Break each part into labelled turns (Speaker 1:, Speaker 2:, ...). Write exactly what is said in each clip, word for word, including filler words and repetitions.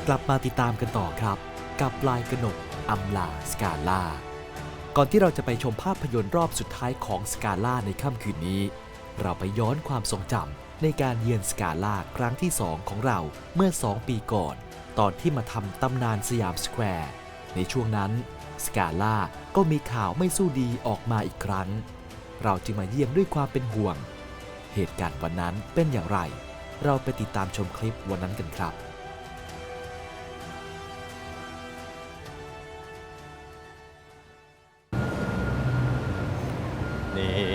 Speaker 1: กลับมาติดตามกันต่อครับกับปลายกนกอำลาสกาล่าก่อนที่เราจะไปชมภาพยนตร์รอบสุดท้ายของสกาล่าในค่ำคืนนี้เราไปย้อนความทรงจำในการเยือนสกาล่าครั้งที่สองของเราเมื่อสองปีก่อนตอนที่มาทำตำนานสยามสแควร์ในช่วงนั้นสกาล่าก็มีข่าวไม่สู้ดีออกมาอีกครั้งเราจึงมาเยี่ยมด้วยความเป็นห่วงเหตุการณ์วันนั้นเป็นอย่างไรเราไปติดตามชมคลิปวันนั้นกันครับ
Speaker 2: นี่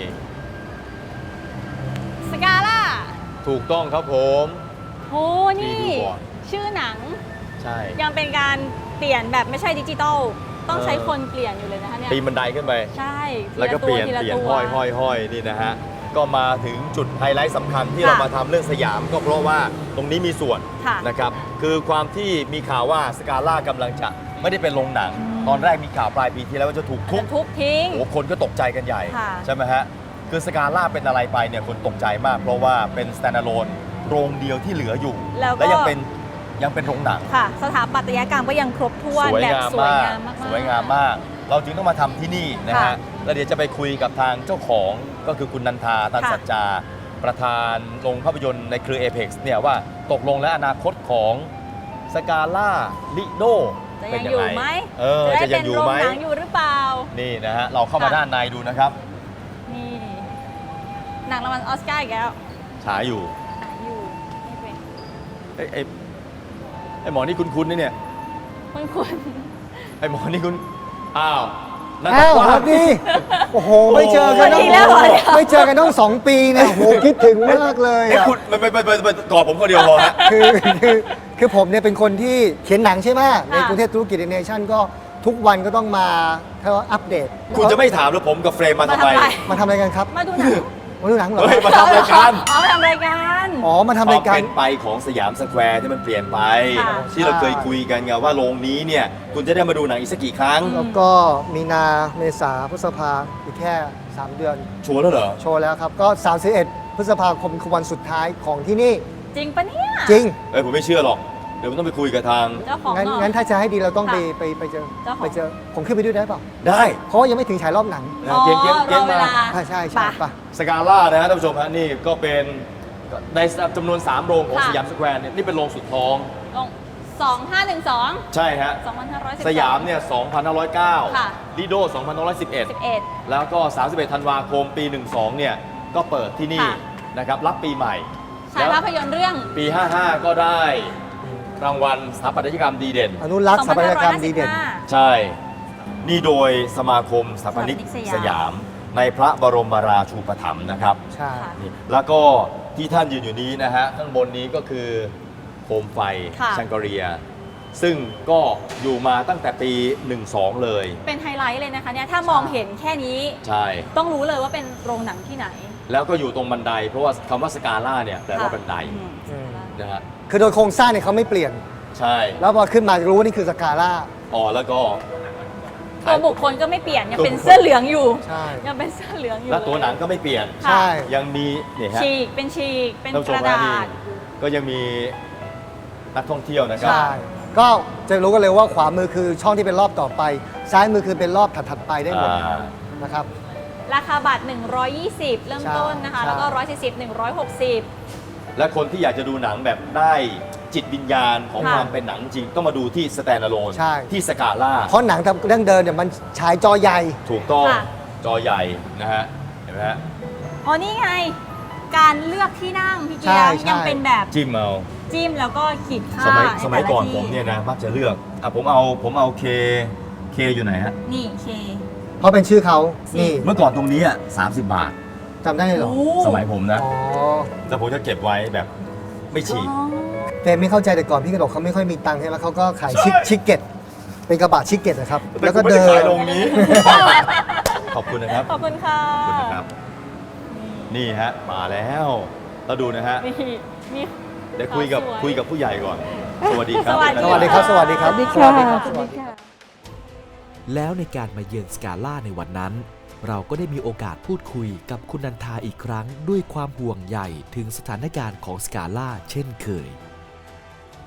Speaker 3: สกาล่า
Speaker 2: ถูกต้องครับผม
Speaker 3: โอ้นี่ชื่อหนัง
Speaker 2: ใช่
Speaker 3: ยังเป็นการเปลี่ยนแบบไม่ใช่ดิจิตอลต้องใช้คนเปลี่ยนอยู่เลยนะคะเนี่ย
Speaker 2: ปีนบันไดขึ้นไป
Speaker 3: ใช่
Speaker 2: แล้วก็เปลี่ยนเปลี่ยนห้อยห้อยห้อยนี่นะฮะก็มาถึงจุดไฮไลท์สำคัญที่เรามาทำเรื่องสยามก็เพราะว่าตรงนี้มีส่วนนะครับคือความที่มีข่าวว่าสกาล่ากำลังจะไม่ได้เป็นโรงหนังตอนแรกมีข่าวปลายปีที่แล้วว่าจะถูกทุบ
Speaker 3: ทุบทิ้ง
Speaker 2: โอ้คนก็ตกใจกันใหญ่ใช่ไหมฮะคือสกาล่าเป็นอะไรไปเนี่ยคนตกใจมากเพราะว่าเป็น standalone โรงเดียวที่เหลืออยู่และยังเป็นยังเป็นโรงหนัง
Speaker 3: ค่ะสถาปัตยกรรมก็ยังครบถ้วนแบบสวยงามมาก
Speaker 2: สวยงามมากเราจึงต้องมาทำที่นี่นะฮะแล้วเดี๋ยวจะไปคุยกับทางเจ้าของก็คือคุณนันทาตันสัจจาประธานโรงภาพยนตร์ในเครือ Apex เนี่ยว่าตกลงและอนาคตของสกาล่าลิโด
Speaker 3: จะยังอยู่ไหม
Speaker 2: เออจะยังอยู่ไหม
Speaker 3: จะได้เป็นโรงหนังอยู่หรือเปล่า
Speaker 2: นี่นะฮะเราเข้ามาด้านในดูนะครับ
Speaker 3: นี่หนังรางวัลออสการ์อีกแล้ว
Speaker 2: ฉายอยู่
Speaker 3: ฉายอยู่นี่เป็น
Speaker 2: ไอ้ไอ้ไอ้หมอนี่คุ้นๆนี่เนี่ย
Speaker 3: คุ้น
Speaker 2: ๆไอ้หมอนี่คุณอ้าว
Speaker 4: อ้าวครับนี่โอ้โหไม่เจอกันต้องไม่เจอกันต้องสองปีเนี่ยโอ้โหคิดถึงมากเลย
Speaker 2: ไอ้คุณไปไปไปไปกอดผมคนเดียวพอฮะ
Speaker 4: คือคือคือผมเนี่ยเป็นคนที่เขียนหนังใช่ไหมในกรุงเทพธุรกิจเนชั่นก็ทุกวันก็ต้องมาเขาอัปเดต
Speaker 2: คุณจะไม่ถามหรือผมกับเฟรมมาทำไม
Speaker 4: มาทำอะไรกันครับ
Speaker 3: มาดูหนัง
Speaker 4: มาดูหนังเหรอ
Speaker 2: มาทำรายการ
Speaker 3: อ๋อมาทำรายการ
Speaker 4: อ๋อมาทำรายการ
Speaker 2: เป็นไปของสยามสแควร์ที่มันเปลี่ยนไปที่เราเคยคุยกันไงว่าโรงนี้เนี่ยคุณจะได้มาดูหนังอีกสักกี่ครั้ง
Speaker 4: แล้วก็มีนาเมษาพฤษภาอีกแค่สามเดือน
Speaker 2: โชว์แล้วเหรอ
Speaker 4: โชว์แล้วครับก็สามสิบเอ็ดพฤษภาคมคือวันสุดท้ายของที่นี่
Speaker 3: จริงปะเนี่ย
Speaker 4: จริง
Speaker 2: เอ้ยผมไม่เชื่อหรอกเดี๋ยวผมต้องไปคุยกับทาง
Speaker 3: เจ้าของ
Speaker 4: งั้นงั้นถ้าจะให้ดีเราต้องไปไปไปเจอไปเจอผมขึ้นไปด้วยได้เปล่า
Speaker 2: ได้
Speaker 4: เพราะยังไม่ถึงฉายรอบหนัง
Speaker 3: เกียงเกียงเกียงมา
Speaker 4: ใช่ใช่ใช่ปะ
Speaker 2: สกาล่านะฮะท่านผู้ชมฮะนี่ก็เป็นในจำนวนสามโรงของสยามสแควร์เนี่ยนี่เป็นโรงสุดท้อง
Speaker 3: โรงสองพันห้าร้อยสิบสอง
Speaker 2: ใช่ฮะ
Speaker 3: สองพันห้าร้อยสิบ
Speaker 2: สยามเนี่ยสองพันห้าร้อยเก้า
Speaker 3: ค่ะ
Speaker 2: ลิโดสองพันห้าร้อยสิบเอ็ด
Speaker 3: สิบเอ็ด
Speaker 2: แล้วก็สามสิบเอ็ดธันวาคมปีสิบสองเนี่ยก็เปิดที่นี่นะครับรับปีใหม่
Speaker 3: ฉายภาพยนตร์เรื่อง
Speaker 2: ปีห้าสิบห้าก็ได้รางวัลสถาปัตยกรรมดีเด่น
Speaker 4: อนุรักษ์สถาปัตยกรรมดีเด่น
Speaker 2: ใช่นี่โดยสมาคมสถาปนิกสยามในพระบรมราชูปถัมภ์นะครับ
Speaker 4: ใช่
Speaker 2: แล้วก็ที่ท่านยืนอยู่นี้นะฮะข้างบนนี้ก็คือโคมไฟชังกเรียซึ่งก็อยู่มาตั้งแต่ปีสิบสองเลย
Speaker 3: เป็นไฮไลท์เลยนะคะเนี่ยถ้ามองเห็นแค่นี้
Speaker 2: ใช่
Speaker 3: ต้องรู้เลยว่าเป็นโรงหนังที่ไหน
Speaker 2: แล้วก็อยู่ตรงบันไดเพราะว่าคำว่าสกาล่าเนี่ยแปลว่าบันไดนะฮะ
Speaker 4: คือโดยโครงสร้างเนี่ยเขาไม่เปลี่ยน
Speaker 2: ใช่
Speaker 4: แล้วพอขึ้นมาจะรู้ว่านี่คือสกาล่า
Speaker 2: อ๋อแล้วก็
Speaker 3: ตัวบุคคลก็ไม่เปลี่ยนยังเป็นเสื้อเหลืองอยู่
Speaker 4: ใช่
Speaker 3: ยังเป็นเสื้อเหลืองอยู่
Speaker 2: แล้วตัวหนังก็ไม่เปลี่ยน
Speaker 4: ใช่
Speaker 2: ยังมีเนี่ยฮะ
Speaker 3: ฉีกเป็นฉีกเป็นกระดาษ
Speaker 2: ก็ยังมีนักท่องเที่ยวนะครับ
Speaker 4: ใช่ก็จะรู้กันเลยว่าขวามือคือช่องที่เป็นรอบต่อไปซ้ายมือคือเป็นรอบถัดๆไปได้หมดนะครับ
Speaker 3: ราคาบัตรหนึ่งร้อยยี่สิบเริ่มต้นนะคะแล้วก็หนึ่งร้อยสี่สิบ หนึ่งร้อยหกสิบ
Speaker 2: และคนที่อยากจะดูหนังแบบได้จิตวิญญาณของความเป็นหนังจริงต้องมาดูที่สแตนด์อะโลนที่สกาล่า
Speaker 4: เพราะหนังเรื่องเดินเนี่ยมันฉายจอใหญ่
Speaker 2: ถูกต้องจอใหญ่นะฮะเห็นไหมฮะ
Speaker 3: อ๋อนี่ไงการเลือกที่นั่งพี่เกียร์ยังเป็นแบบ
Speaker 2: จิ้มเอา
Speaker 3: จิ้มแล้วก็ขีดค่า
Speaker 2: สมัยสมัยก่อนผมเนี่ยนะมักจะเลือกอ่ะผมเอาผมเอาเคเคอยู่ไหนฮะ
Speaker 3: นี่เค
Speaker 4: เพราะเป็นชื่อเขานี่
Speaker 2: เมื่อก่อนตรงนี้อ่ะสามสิบบาท
Speaker 4: จำได้เหรอ
Speaker 2: สมัยผมนะแต่ผมจะเก็บไว้แบบไม่ฉีก
Speaker 4: เฟรมไม่เข้าใจแต่ก่อนพี่กระดกเขาไม่ค่อยมีตังค์ใช่ไหมเขาก็ขายชิคชิคเก็ตเป็นกระบะชิคเก็ตนะครับ
Speaker 2: แล้วก็เดินขายลงนี้ขอบคุณนะครับ
Speaker 3: ขอบคุณค่ะ
Speaker 2: ขอบคุณนะครับนี่ฮะมาแล้วเราดูนะฮะ
Speaker 3: นี่
Speaker 2: เดี๋ยวคุยกับคุยกับผู้ใหญ่ก่อนสวัสดีครับ
Speaker 4: สวัสดีครับสวัสดีครับ
Speaker 3: สวัสดีครับสวัสดีค่ะ
Speaker 1: แล้วในการมาเยือนสกาล่าในวันนั้นเราก็ได้มีโอกาสพูดคุยกับคุณนันทาอีกครั้งด้วยความห่วงใยถึงสถานการณ์ของสกาล่าเช่นเคย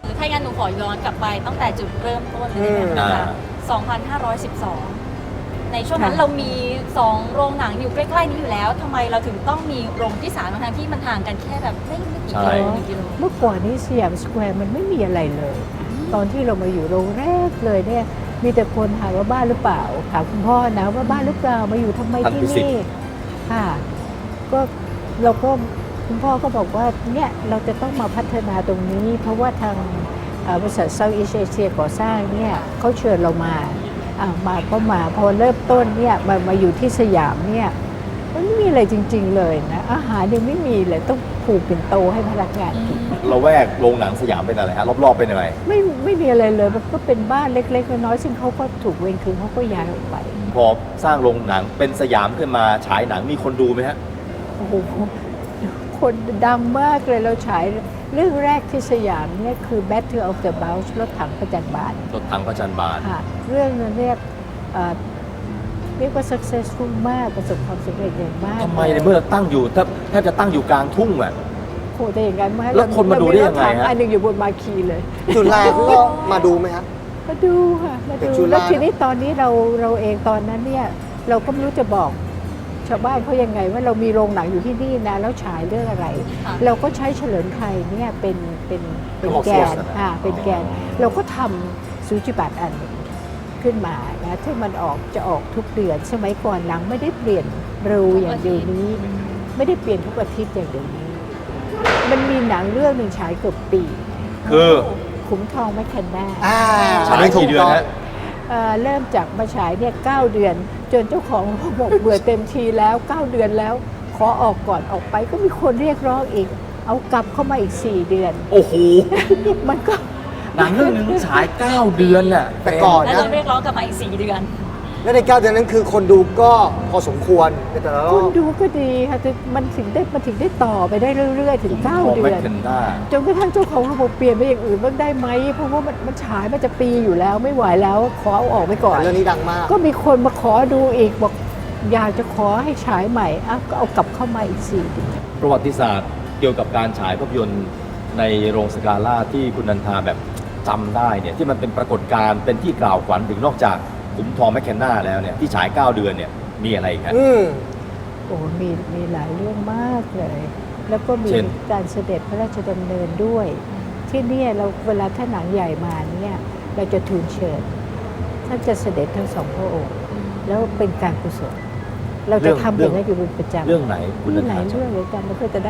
Speaker 3: หรือถ้างั้นหนูขอย้อนกลับไปตั้งแต่จุดเริ่มต้นเลย
Speaker 2: อืม
Speaker 3: นะคะสองพันห้าร้อยสิบสอง ในช่วงนั้น
Speaker 5: ค่ะ
Speaker 3: เรามีสองโรงหนังอยู่ใกล้ๆนี้อยู่แล้วทำไมเราถึงต้องมีโรงที่สามทั้งๆที่มันห่างกันแค่แบบไม่ไม่กี่กิโลหนึ่งกิโล
Speaker 5: เมื่อก่อนนี้สยามสแควร์มันไม่มีอะไรเลย ตอนที่เรามาอยู่โรงแรกเลยเนี่ยมีแต่คนถามว่าบ้านหรือเปล่าถามคุณพ่อนะว่าบ้านหรือเปล่ามาอยู่ทำไม
Speaker 2: ท่าน
Speaker 5: ที่
Speaker 2: พิสิทธิ์
Speaker 5: นี่ค่ะก็เราก็คุณพ่อก็บอกว่าเนี่ยเราจะต้องมาพัฒนาตรงนี้ เพราะว่าทางเอ่อบริษัทเซาท์อีสเอเชียก่อสร้างเนี่ยเขาเชิญเรามาอ่ามาก็มาพอเริ่มต้นเนี่ยมามาอยู่ที่สยามเนี่ยมันไม่มีอะไรจริง ๆ เลยนะอาหารยังไม่มีเลยต้องผูกเป็นโตให้พนักงานกิน
Speaker 2: เราแวกโรงหนังสยามเป็นอะไรฮะรอบๆเป็นอะไร
Speaker 5: ไม่ไม่มีอะไรเลยมันก็เป็นบ้านเล็กๆน้อยๆซึ่งเขาก็ถูกเวรคืนเขาก็ย้ายออกไป
Speaker 2: พอสร้างโรงหนังเป็นสยามขึ้นมาฉายหนังมีคนดูไหมฮะ
Speaker 5: โอ้โหคนดังมากเลยเราฉายเรื่องแรกที่สยามเนี่ยคือ Battle of the Bulge รถถังประจันบาน
Speaker 2: รถถังพระจันทร์บาน
Speaker 5: ค่ะเรื่องนั้นเรียกเอ่อเรียกว่า successful มากประสบความสำเร็จอย่างมาก
Speaker 2: ทำไมในเมื่อตั้งอยู่แทบแทบจะตั้งอยู่กลางทุ่งอ่ะ
Speaker 5: โหแต่อย่างนั้นมา
Speaker 2: แล้วคนมาดูได้ยังไงฮะ
Speaker 5: เรามีรถถัอันหนึ่งอยู่บนมาคีเลย
Speaker 4: จุฬาเขาก็มาดูไหมฮะ
Speaker 5: มาดูค่ะมา
Speaker 4: เด็
Speaker 5: ดู
Speaker 4: กจุฬา
Speaker 5: แล้วทีนี้ตอนนี้เราเราเองตอนนั้นเนี่ยเราก็ไม่รู้จะบอกชาวบ้านเขายังไงว่าเรามีโรงหนังอยู่ที่นี่นะแล้วฉายเรื่องอะไร
Speaker 3: ค่ะ
Speaker 5: เราก็ใช้เฉลิมไทยเนี่ยเป็นเป็นเป็นแกนอ่าเป็นแกน เราก็ทำสูจิบัตรอันหนึ่งขึ้นมานะที่มันออกจะออกทุกเดือนสมัยก่อนหนังไม่ได้เปลี่ยนเร็วอย่างเดี๋ยวนี้ ไม่ได้เปลี่ยนทุกอาทิตย์อย่างเดี๋ยวนี้ มันมีหนังเรื่องหนึ่งฉายเกือบปี
Speaker 2: คือ
Speaker 5: ขุมทองแมคเคนนา
Speaker 4: อ่า
Speaker 2: ฉายกี่เดือนฮะ
Speaker 5: เอ่อเริ่มจากมาฉายเนี่ยเก้าเดือน จนเจ้าของเขาบอกเบื่อเต็มทีแล้วเก้าเดือนแล้ว ขอออกก่อนออกไปก็มีคนเรียกร้องอีก เอากลับเข้ามาอีกสี่เดือน
Speaker 2: โอ้โห
Speaker 5: มันก็
Speaker 2: หนังเรื่องหนึงฉายเก้าเดือนน่ะ
Speaker 4: แต่ก่อน
Speaker 3: แล้ว
Speaker 4: นะ
Speaker 3: เราเรียกร้องกลับมาอีกสี่เดือน
Speaker 4: และในเก้าเดือนนั้นคือคนดูก็พอสมควรในแต่ละร
Speaker 5: คุ
Speaker 4: อ
Speaker 5: ณ
Speaker 4: บ
Speaker 5: ดูก็ดีค่ะแต่มันถึงได้มันถึงได้ต่อไปได้เรื่อยๆ ถึงเก้า
Speaker 2: ของ
Speaker 5: เดื
Speaker 2: แมค
Speaker 5: อน
Speaker 2: เคนด้า
Speaker 5: จนกระทั่งเจ้าของระบบเปลี่ยนไปอย่างอื่นบ้างได้ไหมเพราะว่ามันมันฉายมันจะปีอยู่แล้วไม่ไหวแล้วขอเอาออกไปก่อน
Speaker 4: แต่เรื่องนี้ดังมาก
Speaker 5: ก็มีคนมาขอดูอีกบอกอยากจะขอให้ฉายใหม่อ่ะก็เอากลับเข้ามาอีกสี่เดือน
Speaker 2: ประวัติศาสตร์เกี่ยวกับการฉายภาพยนตร์ในโรงสกาล่าที่คุณนันทาแบบจำได้เนี่ยที่มันเป็นปรากฏการณ์เป็นที่กล่าวขวัญถึงนอกจากขุมทองแมคเคนนาแล้วเนี่ยที่ฉายเก้าเดือนเนี่ยมีอะไรอีกฮะ
Speaker 4: อืม
Speaker 5: โอ้มีมีหลายเรื่องมากเลย แล้วก็มี
Speaker 2: เช่น
Speaker 5: การเสด็จพระราชดำเนินด้วย ที่เนี่ยเราเวลาถ้าหนังใหญ่มาเนี่ยเราจะทูลเชิญท่านจะเสด็จทั้งสองพระองค์ แล้วเป็นการกุศลเราจะทำอย่างนั้นอยู่เป็นประจำ
Speaker 2: เรื่องไหนคุณ
Speaker 5: มี
Speaker 2: นัน
Speaker 5: หลา
Speaker 2: ทาย
Speaker 5: เรื่องเลยจำไม่ค่อยจะได้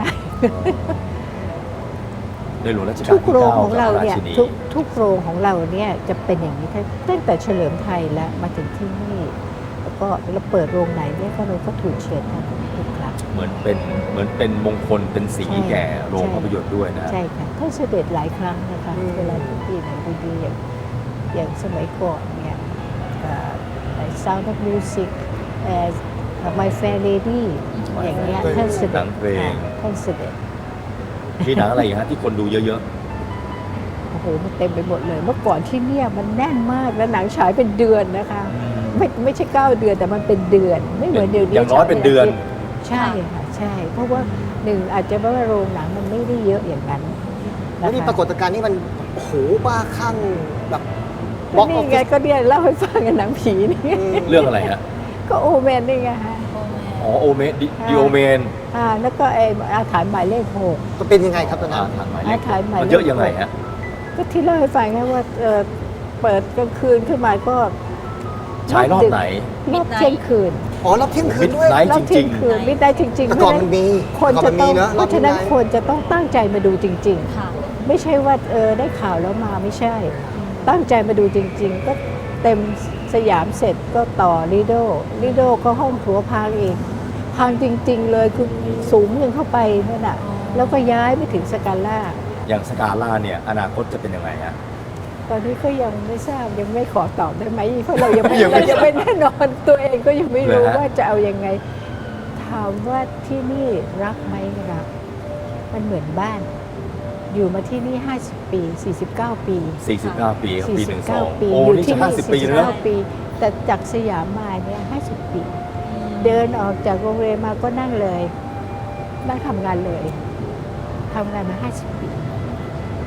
Speaker 2: ในหลวงรัชกาล
Speaker 5: ทุก
Speaker 2: ที่
Speaker 5: โรง
Speaker 2: เก้า
Speaker 5: ของเรา
Speaker 2: กับพระ
Speaker 5: เนี่ย
Speaker 2: ราชินี
Speaker 5: ทุกทุกโรงของเราเนี่ยจะเป็นอย่างนี้ตั้งแต่เฉลิมไทยแล้วมาถึงที่นี่ แล้วก็เราเปิดโรงไหนเนี่ยก็เราก็ถูกเชิญท่านทุกครั้ง
Speaker 2: เหมือนเป็นเหมือนเป็นมงคลเป็นสี
Speaker 5: ใช่
Speaker 2: แก่โรง
Speaker 5: ใช่
Speaker 2: ภาพยนตร์ด้วยนะ
Speaker 5: ใช่ค่ะท่านเสด็จหลายครั้งนะคะ
Speaker 4: อืม
Speaker 5: เวลาที่ปีไหนดีๆอย่างอย่างสมัยก่อนเนี่ยเอ่อ Sound of Music เอ่อ My Fair Lady อย่างเงี้ยท่านเส
Speaker 2: ห
Speaker 5: ด็
Speaker 2: นั
Speaker 5: จ
Speaker 2: งเพลง
Speaker 5: ค่ะท่านเสด็จ
Speaker 2: มีหนังอะไรอีกฮะที่คนดูเยอะ
Speaker 5: โอ้โหมันเต็มไปหมดเลย เมื่อก่อนที่เนี่ยมันแน่นมากแล้วหนังฉายเป็นเดือนนะคะ
Speaker 2: ๆ
Speaker 5: ไม่ไม่ใช่เก้าเดือนแต่มันเป็นเดือน ไม่เหมือนเดี๋ยวนี้
Speaker 2: อย่างน้อยเป็นเดือน
Speaker 5: ใช่ค่ะใช่ เพราะว่าหนึ่งอาจจะเพราะว่าโรงหนังมันไม่ได้เยอะอย่างนั้น
Speaker 4: แล้วนี่
Speaker 5: นะคะ
Speaker 4: ปรากฏการณ์นี่มันโอ้โหบ้าคลั่งแบบบ
Speaker 5: ก็
Speaker 4: ล็อกออ
Speaker 5: นี่
Speaker 4: ฟ
Speaker 5: ไง
Speaker 4: ฟิศ
Speaker 5: ก็เนี่ยเล่าให้ฟังกันหนังผีนี่
Speaker 2: เรื่องอะไรฮะ
Speaker 5: ก็โอแมนนี่ไงฮะ
Speaker 2: อ๋อโอเมดิ
Speaker 5: ค่ะ
Speaker 2: ดิโอเมน
Speaker 5: อ่าแล้วก็ไออาถรรพ์หมายเลขหก
Speaker 4: มันเป็นยังไงครับตอนนั้น
Speaker 2: ทางหมายเล
Speaker 5: อา
Speaker 2: ข
Speaker 5: ถรรพ์หมายเลข
Speaker 2: มันเยอะยังไงฮะ
Speaker 5: ก็ที่เล่าให้ฟังไงว่าเอ่อเปิดกลางคืนขึ้นมาก็
Speaker 2: ฉายรอบไหน
Speaker 5: รอบเที่ยงคืน
Speaker 4: อ๋อรับเที่ยงคืนด้วย
Speaker 2: Midnight
Speaker 5: รอบเที่ยงคืนไม่ได้จริงๆ
Speaker 4: แต่ก่อน
Speaker 5: เพ
Speaker 4: มั
Speaker 5: ราะ
Speaker 4: นมี
Speaker 5: คน
Speaker 4: แต่ก่อ
Speaker 5: จะ
Speaker 4: นมัน
Speaker 5: ต้อง
Speaker 4: มีเนอะ
Speaker 5: เพราะฉะนั้น
Speaker 4: รอบ
Speaker 5: คนจะต้องตั้งใจมาดูจริง
Speaker 3: ค่ะ
Speaker 5: ๆ ไม่ใช่ว่าเออได้ข่าวแล้วมาไม่ใช่ ตั้งใจมาดูจริง ๆ ก็เต็มสยามเสร็จก็ต่อลิโดลิโดก็ห้องถัวพังเองพังจริง ๆ เลยคือสูงยังเข้าไปนั่นน่ะแล้วก็ย้ายไปถึงสกาล่า
Speaker 2: อย่างสกาล่าเนี่ยอนาคตจะเป็นยังไงฮะ
Speaker 5: ตอนนี้ก็ยังไม่ทราบยังไม่ขอตอบได้ไหมเพราะเรายังไม่
Speaker 2: ยังไม่
Speaker 5: เรายังไม่แน่นอนตัวเองก็ยังไม่รู้
Speaker 2: เหรอฮะ
Speaker 5: ว่าจะเอายังไง ถามว่าที่นี่รักไหมรัก มันเหมือนบ้าน อยู่มาที่นี่ ห้าสิบ ปี สี่สิบเก้า ปี
Speaker 2: สี่สิบเก้าปีครับปีหนึ่งสอง
Speaker 5: ปี
Speaker 2: โอ้
Speaker 5: อยู่
Speaker 2: นี่
Speaker 5: ที่
Speaker 2: จะห้าสิบปีแล้วนะ
Speaker 5: ปี แต่จากสยามมาเนี่ยห้าสิบ ปี เดินออกจากโรงเรียนมาก็นั่งเลย นั่งทำงานเลยทำงานมา ห้าสิบ ปี
Speaker 2: ค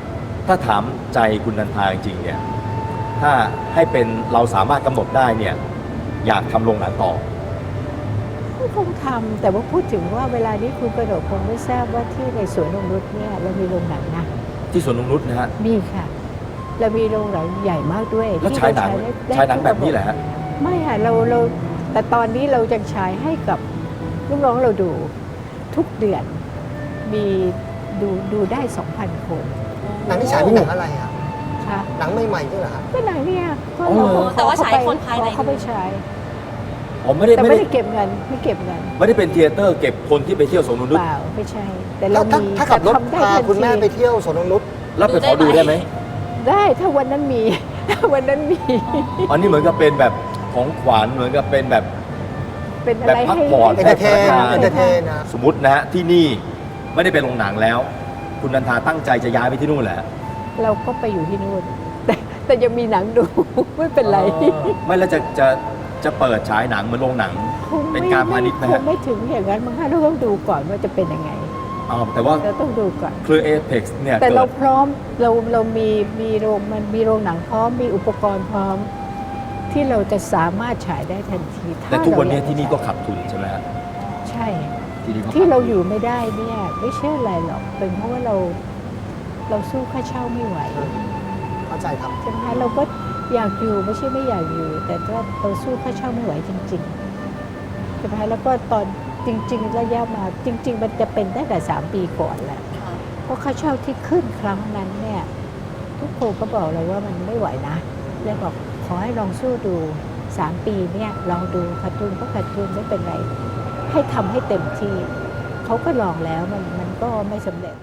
Speaker 2: ถ้าถามใจคุณนันทาจริงๆเนี่ยถ้าให้เป็นเราสามารถกำหนดได้เนี่ยอยากทำโรงหนังต่อ
Speaker 5: ก็คงทำแต่ว่าพูดถึงว่าเวลานี้คุณกระโดดคงไม่ทราบว่าที่ในสวนนงนุชเนี่ยเรามีโรงหนังนะ
Speaker 2: ที่สวนนงนุชนะฮะ
Speaker 5: มีค่ะ เรามีโรงหนังใหญ่มากด้วย
Speaker 2: แล้ว
Speaker 5: ที่
Speaker 2: ฉายหนัง
Speaker 5: เรได้
Speaker 2: ฉายหนังแบบนี้แหละฮะ
Speaker 5: ไม่ค่ะเราเราแต่ตอนนี้เราจะฉายให้กับลูกน้องเราดูทุกเดือนมีดูดูได้ สองพัน คน
Speaker 4: หนังที่ฉายเป็นหนังอะไรอ่ะ
Speaker 5: ค่ะ
Speaker 4: หนังใหม่ๆนี่เหรอครับ
Speaker 5: ก็หนังเนี่ยก็
Speaker 2: อ๋อเหรอ
Speaker 5: เข
Speaker 3: แต่ว่าฉาย
Speaker 5: เขไป
Speaker 3: คนภายใน
Speaker 5: ขอเขาไปฉาย
Speaker 2: อ๋อไม่ได้
Speaker 5: แต่
Speaker 2: ไม่
Speaker 5: ไม่
Speaker 2: ได้
Speaker 5: ได้เก็บเงินไม่เก็บเงิน
Speaker 2: ไม่ได้เป็นเทเตอร์เก็บคนที่ไปเที่ยวสวนนงนุช
Speaker 5: เปล่าไม่ใช่ แต่เรา
Speaker 4: ถ้า
Speaker 5: มี
Speaker 4: ถ้าขับรถ
Speaker 5: แต่ทำได้
Speaker 4: พา
Speaker 5: ทัน
Speaker 4: คุณแม่
Speaker 5: ที
Speaker 4: ไปเที่ยวสวนนงนุช
Speaker 2: แล้วไปขอดูได้ไหม
Speaker 5: ได้ถ้าวันนั้นมี ถ้าวันนั้นมี
Speaker 2: อันนี้เหมือนกับเป็นแบบของขวัญเหมือนกับเป็นแบบ
Speaker 5: เป็นอะ
Speaker 2: แบบ
Speaker 5: ไร
Speaker 2: พัก
Speaker 5: ให้
Speaker 2: ผ่อน
Speaker 4: เอนเตอร์เทน
Speaker 2: ให้พนักงาน
Speaker 4: เอนเตอร์เทนนะ
Speaker 2: สมมตินะฮะที่นี่ไม่ได้เป็นโรงหนังแล้ว คุณนันทาตั้งใจจะย้ายไปที่นู่นแหละ
Speaker 5: เราก็ไปอยู่ที่นู่น แต่แต่ยังมีหนังดู ไม่เป็นไร
Speaker 2: ไม่แล้วจะจะจะเปิดฉายหนังเหมือนโรงหนัง
Speaker 5: คง
Speaker 2: เป็น
Speaker 5: ไม่
Speaker 2: การพาณิชย์ไหม
Speaker 5: ค
Speaker 2: ฮะ
Speaker 5: งไม่ถึงอย่างนั้นมั้งคะเราต้องดูก่อนว่าจะเป็นยังไง
Speaker 2: อ๋อแต่ว่า
Speaker 5: เราต้องดูก่อน
Speaker 2: เครือ Apex เนี่ย
Speaker 5: แต่
Speaker 2: เกิ
Speaker 5: เรา
Speaker 2: ด
Speaker 5: พร้อมเราเรามีมีโรงมันมีโรงหนังพร้อมมีอุปกรณ์พร้อม ที่เราจะสามารถฉายได้ทันทีถ้า
Speaker 2: แต่ทุกวันนี้
Speaker 5: เราอยา
Speaker 2: ที่นี่ก็
Speaker 5: ฉาย
Speaker 2: ขัดทุนใช่ไหมฮะ
Speaker 5: ใช่
Speaker 2: ที่นี่ก็
Speaker 5: ที่
Speaker 2: ขัด
Speaker 5: เรา
Speaker 2: ทุน
Speaker 5: อยู่ไม่ได้เนี่ยไม่ใช่อะไรหรอกเป็นเพราะว่าเราเราสู้ค่าเช่าไม่ไหว
Speaker 4: เข้าใจครับ
Speaker 5: ใช่ไหมคะเราก็อยากอยู่ไม่ใช่ไม่อยากอยู่ แต่ว่าเราสู้ค่าเช่าไม่ไหวจริงๆใช่ไหมคะแล้วก็ตอนจริง ๆ ระยะมาจริง ๆ มันจะเป็นตั้งแต่สามปีก่อนแหละเพราะค่าเช่าที่ขึ้นครั้งนั้นเนี่ยทุกคนก็บอกเราว่ามันไม่ไหวนะเลยบอกขอให้ลองสู้ดูสามปีเนี่ยลองดูขาดทุนก็ขาดทุนไม่เป็นไร ให้ทำให้เต็มที่เขาก็ลองแล้วมันมันก็ไม่สำเร็จ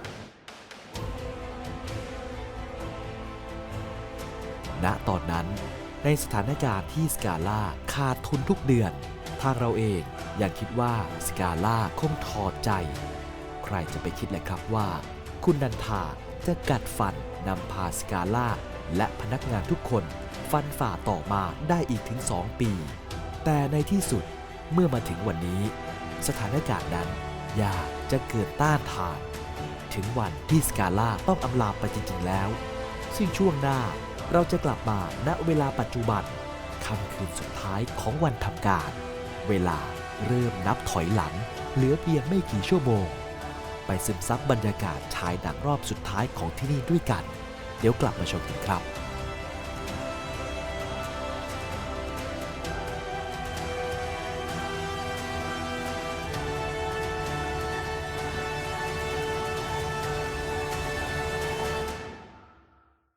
Speaker 1: ณตอนนั้นในสถานการณ์ที่สกาล่าขาดทุนทุกเดือน ทางเราเองยังคิดว่าสกาล่าคงถอดใจ ใครจะไปคิดเลยครับว่า คุณนันทาจะกัดฟันนำพาสกาล่าและพนักงานทุกคนฟันฝ่าต่อมาได้อีกถึงสองปี แต่ในที่สุดเมื่อมาถึงวันนี้ สถานการณ์นั้นยากจะเกินต้านทาน ถึงวันที่สกาล่าต้องอำลาไปจริงๆแล้ว ซึ่งช่วงหน้าเราจะกลับมาณเวลาปัจจุบันค่ำคืนสุดท้ายของวันทำการ เวลาเริ่มนับถอยหลังเหลือเพียงไม่กี่ชั่วโมง ไปซึมซับบรรยากาศฉายหนังรอบสุดท้ายของที่นี่ด้วยกัน เดี๋ยวกลับมาชมกันครับ